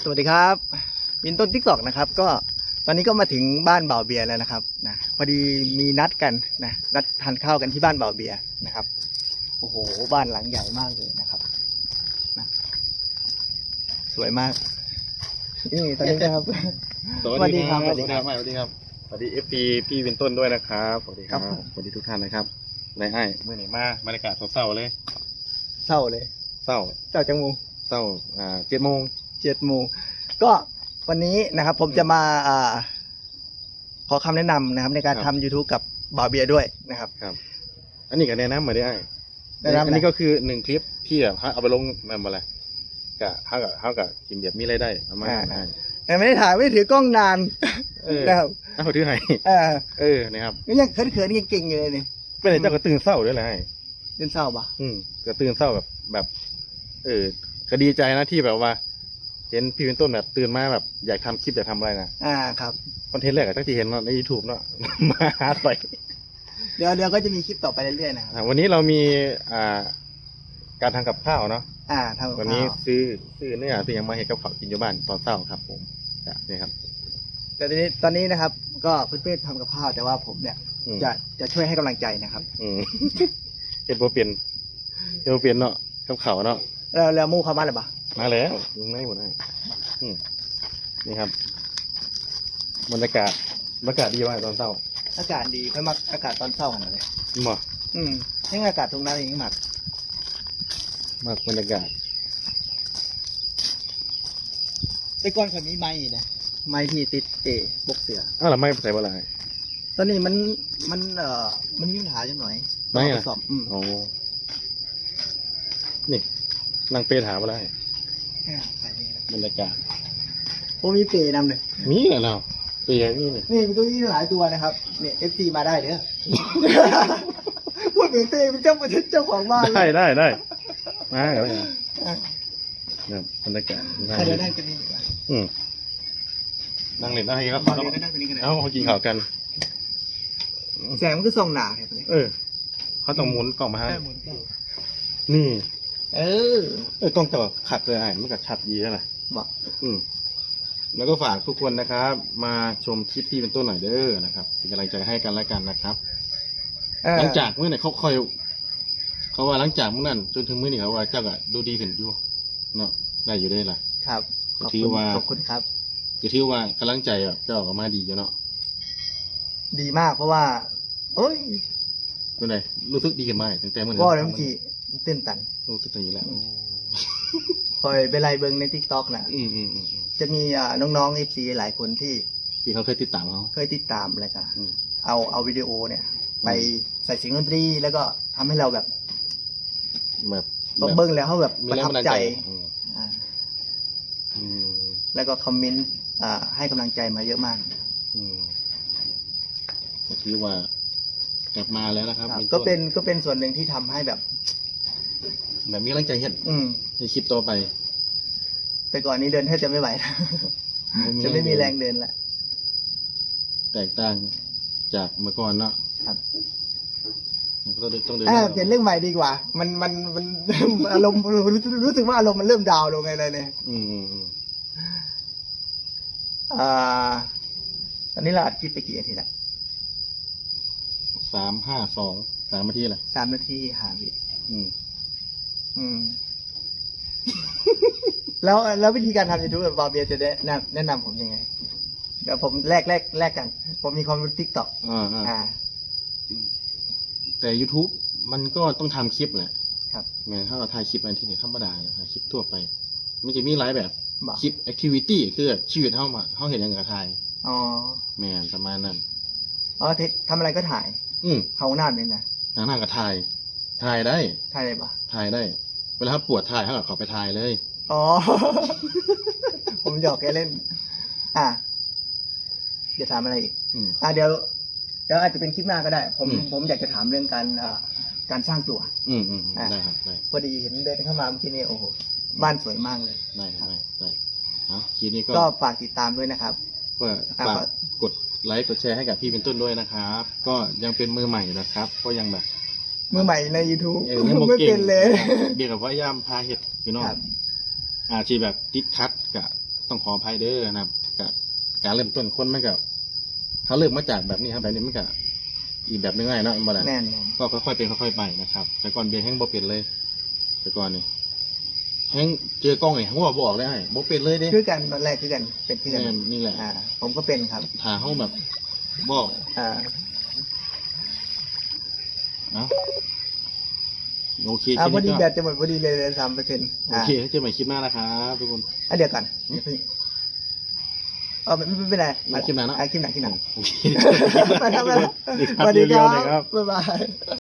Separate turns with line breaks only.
สวัสดีครับบินต้นทิกตอกนะครับก็ตอนนี้ก็มาถึงบ้านบ่าวเบียร์แล้วนะครับนะพอดีมีนัดกันนะนัดทานข้าวกันที่บ้านบ่าวเบียร์นะครับโอ้โหบ้านหลังใหญ่มากเลยนะครับนะสวยมากนี่ตอนนี้นะครับ
สวัสดีครับสวัสดีครับสวัสดีครับสวัสดีเอฟซีพี่วินต้นด้วยนะครับสวัสดีครับสวัสดีทุกท่านนะครับไรไอ้เมื่อไหร่มาบรรยากาศเศร้าๆเลย
เศร้าเลย
เศร้า
จังโมง
เศร้า7 โมง
ก็วันนี้นะครับผมจะมาขอคำแนะนำนะครับในการทำ YouTube กับบ่าวเบียร์ด้วยนะครับ
ครับอันนี้ก็แนะนำมาได้อันนี้ก็คือ1 คลิปที่แบบเอาไปลงมันอะไรกับเขากับทีมเดียบมีรายได้ประมาณนั้น
แต่ไม่ได้ถ่ายไม่ได้ถือกล้องนานนะครับ
เขาถือให้นะครับ
นี่ยังเขินๆเก่งๆอยู่เลยนี่
เป็นไหนเจ้าก็ตื่นเศร้าด้วยแหละ
ตื่นเศร้าปะ
ก็ตื่นเศร้าแบบก็ดีใจนะที่แบบว่าเห็นพี่เป็นต้นแบบตื่นมาแบบอยากทำคลิปอยากทำอะไร
นะครับ
คอนเทนต์แรกตั้งที่เห็นใน YouTube เนาะมาหาไป
เดี๋ยวก็จะมีคลิปต่อไปเรื่อยๆนะครับ
วันนี้เรามีการทำกับข้าวเนาะ
ทำกับข้าว
วันนี้ซื้อเนื้อซื้อยังมาเห็นกับข้าวกินอยู่บ้านตอนเช้าครับผมนี่ครับ
แต่ตอนนี้นะครับก็เพื่อนๆทำกับข้าวแต่ว่าผมเนี่ยจะช่วยให้กำลังใจนะครับ
เห็นโปรเปลี่ยนเนาะกับข้าวเนาะ
แล้วมู่เขามาหรือเปล่า
มาแล้วลุงไม่หมดเลยนี่ครับบรรยากาศดีมากตอนเช้า
อากาศดีเพิ่มมาอากาศตอนเช้าของเราเลย
มา
นี่อากาศตรงนั้นเองมาก
บรรยากาศ
ไปก่อนคนนี้ไม้นะไม้ที่ติดบกเสือ
แล้วไม่ใส่อะไร
ตอนนี้มันมีปัญหาจังหน่อย
ไม่
สอบ
โอ้นี่นั่งเปถามอะไรบรรยากาศ
ผมมีเปนำเลย
มีเหรอเราเปนี่
มีตัวนี้หลายตัวนะครับเนี่ยFTมาได้เด้อพูดเหมือนเต้เป็นเจ้าของบ้าน
ได้มาอะไรเนี่ยบรรยากาศ
เดี๋ยวนั่งกันนี่ดีกว่า
นั่งเล่นได้ครับเขากินข้าวกัน
แสงมันก็ส่องหนาครับ
เขาต้องหมุนกล่องมาให้นี่กล้องตัวขัดเลยมันก็ชัดดีแล้วนะ
บอก
แล้วก็ฝากทุกคนนะครับมาชมคลิปพี่เป็นต้นหน่อยเด้อนะครับเป็นกำลังใจให้กันและกันนะครับหลังจากเมื่อไหร่เขาว่าหลังจากเมื่อนั้นจนถึงเมื่อนี้เขาว่าเจ้าก็ดูดีขึ้นอยู่เนาะได้อยู่ได้ล่ะ
ครับ
ขอบ
คุณครับ
จะถือว่ากำลังใจแบบเจ้าออกมาดีอยู่เนาะ
ดีมากเพราะว่า
เป็นไงรู้สึกดีขึ้นไหมตั้งแต่เมื่อ
นั้นก็เริ่มจีตื่นตัน
รู้สึกอย่างนี้แล้ว
คอยไปไล่เบิ้งใน TikTok นะจะมีน้องๆ FC หลายคนที่
เขาเคยติดตาม
อะไรกันเอาวิดีโอเนี่ยไปใส่เสียงดนตรีแล้วก็ทำให้เราแบบเบิ้งแล้วเขาแบบประทับใจแล้วก็คอมเมนต์ให้กำลังใจมาเยอะมาก
ก็คือว่ากลับมาแล้วนะครับ
ก็เป็นส่วนหนึ่งที่ทำให้แบบ
มีกำลังใจให้คลิปต่อไป
แต่ก่อนนี้เดินแทบจะไม่ไหวจะไม่มีแรงเดินละ
แตกต่างจากเมื่อก่อนเนาะ
ครับ
ต้องเดิน
เปลี่ยนเรื่องใหม่ดีกว่ามันอารมณ์รู้สึกว่าอารมณ์มันเริ่มดาวลงไงเลยเนี่ยตอนนี้เราอัดคลิปไปกี่นาทีละ
3 นาทีแหละ
3 นาทีหาวิแล้ววิธีการทำ YouTube แบบบาเบียจะแนะนำผมยังไงเดี๋ยวผมแลกกันผมมีความรู้ TikTok
แต่ YouTube มันก็ต้องทำคลิปแหละ
ครับ
แม้ถ้าเราถ่ายคลิปอะไรที่ไหนธรรมดาถ่ายคลิปทั่วไปมันจะมีหลายแบบคลิป activity คือชีวิตเขาเห็นอย่างกับถ่ายแม่ประมาณนั้น
ทำอะไรก็ถ่ายเขาหน้าเนี่ยนะ
หน้าก็ถ่ายได้
ถ่ายได้ปะ
ถ่ายได้เวลาปวดถ่ายเขาไปถ่ายเลย
ผมหยอกแกเล่นจะถามอะไรอีกเดี๋ยวอาจจะเป็นคลิปหน้าก็ได้ผมอยากจะถามเรื่องการสร้างตัว
ได้ครับได้
พอดีเห็นเดินเข้ามาเมื่อกี้นี่โอ้โหบ้านสวยมากเลย
ได้คลิปนี้
ก็ฝากติดตามด้วยนะครับ
ก็ฝากกดไลค์กดแชร์ให้กับพี่เป็นต้นด้วยนะครับก็ยังเป็นมือใหม่นะครับก็ยังแบบ
มือใหม่ใน YouTube ไม่เป็นเลย
เบียร์กับว่าย่ำพาเห็ดพี่น้องอาชีพแบบติดคัดกับต้องขออภัยเด้อนะครับกับการเริ่มต้นคนมันก็เขาเริ่มมาจากแบบนี้ครับแบบนี้มันก็อีกแบบนึงไงเนาะบ่ได้
แน่น
ก็ค่อยๆเป็นค่อยๆไปนะครับแต่ก่อนเบียร์แห้งบ่เป็นเลยแต่ก่อนนี่แห้งเจอกล้องนี่เขาบอกได้บ่เป็นเลยเด้
คือกันตอนแรกคือกันเป็นคือกัน
นี่แหละ
ผมก็เป็นครับ
ถ้าเขาแบบบอก
อ่า
เอ้าโอเค
พอดี
ก็
แบตจะหมดพอดีเลย3%
โอเคเจอใหม่คลิปหน้านะครับทุกคน
เดี๋ยวก่อนอย่าเพิ่งไม่เป็นไร
มาคลิปหน้าเนาะ
คลิปหน้า
โอเค
ไปครับ
สวัสดีครับเร็วๆหน่อยครับ
บ๊ายบาย